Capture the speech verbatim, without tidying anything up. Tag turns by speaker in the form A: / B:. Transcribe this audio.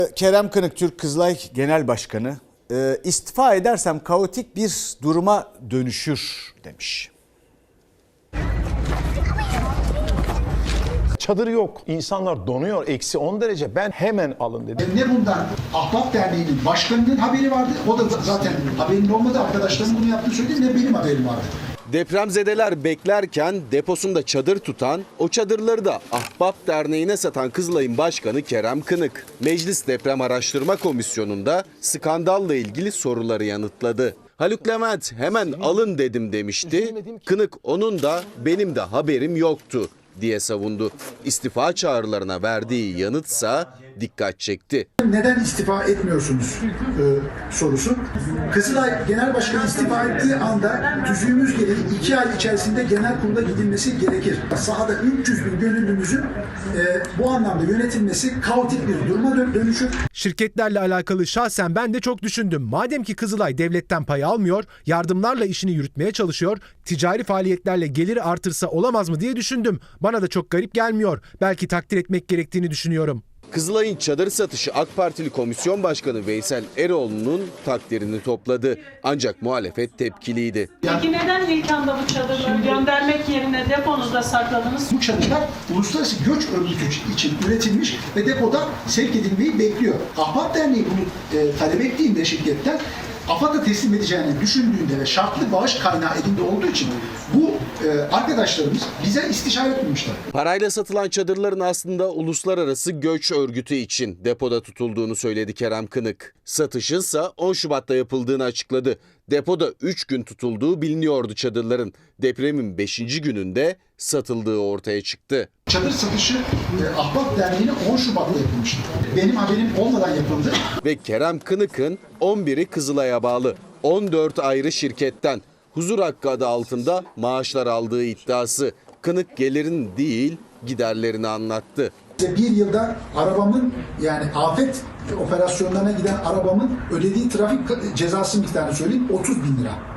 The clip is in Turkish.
A: Kerem Kınık, Türk Kızılay Genel Başkanı, e, istifa edersem kaotik bir duruma dönüşür demiş.
B: Çadır yok. İnsanlar donuyor. Eksi on derece. Ben hemen alın dedim.
C: Ne bundan Ahbap Derneği'nin başkanının haberi vardı. O da zaten haberinin olmadı. Arkadaşlarım bunu yaptığını söyledi. Ne benim haberim vardı.
D: Depremzedeler beklerken deposunda çadır tutan, o çadırları da Ahbap Derneği'ne satan Kızılay'ın başkanı Kerem Kınık. Meclis Deprem Araştırma Komisyonu'nda skandalla ilgili soruları yanıtladı. Haluk Levent hemen alın dedim demişti. Kınık onun da benim de haberim yoktu diye savundu. İstifa çağrılarına verdiği yanıtsa dikkat çekti.
C: Neden istifa etmiyorsunuz e, sorusu. Kızılay Genel Başkanı istifa ettiği anda tüzüğümüz gereği iki ay içerisinde genel kurula gidilmesi gerekir. Sahada üç yüz bin gönüllümüzün e, bu anlamda yönetilmesi kaotik bir duruma dönüşür.
E: Şirketlerle alakalı şahsen ben de çok düşündüm. Madem ki Kızılay devletten pay almıyor, yardımlarla işini yürütmeye çalışıyor, ticari faaliyetlerle geliri artırsa olamaz mı diye düşündüm. Bana da çok garip gelmiyor. Belki takdir etmek gerektiğini düşünüyorum.
D: Kızılay'ın çadır satışı AK Partili Komisyon Başkanı Veysel Eroğlu'nun takdirini topladı. Ancak muhalefet tepkiliydi.
F: Peki neden ilk anda bu çadırları göndermek yerine deponuzda sakladınız?
C: Bu çadırlar uluslararası göç örgütü için üretilmiş ve depoda sevk edilmeyi bekliyor. Ahbap Derneği bunu e, talep ettiğinde şirketten AFAD'a teslim edeceğini düşündüğünde ve şartlı bağış kaynağı elinde olduğu için bu e, arkadaşlarımız bize istişare etmemişler.
D: Parayla satılan çadırların aslında uluslararası göç örgütü için depoda tutulduğunu söyledi Kerem Kınık. Satışınsa on Şubat'ta yapıldığını açıkladı. Depoda üç gün tutulduğu biliniyordu çadırların. Depremin beşinci gününde satıldığı ortaya çıktı.
C: Çadır satışı e, Ahbap Derneği'ne on Şubat'ta yapılmıştı. Benim haberim olmadan yapıldı.
D: Ve Kerem Kınık'ın on biri Kızılay'a bağlı on dört ayrı şirketten huzur hakkı adı altında maaşlar aldığı iddiası. Kınık gelirin değil giderlerini anlattı.
C: Bir yılda arabamın, yani afet operasyonlarına giden arabamın ödediği trafik cezası miktarını söyleyeyim, otuz bin lira.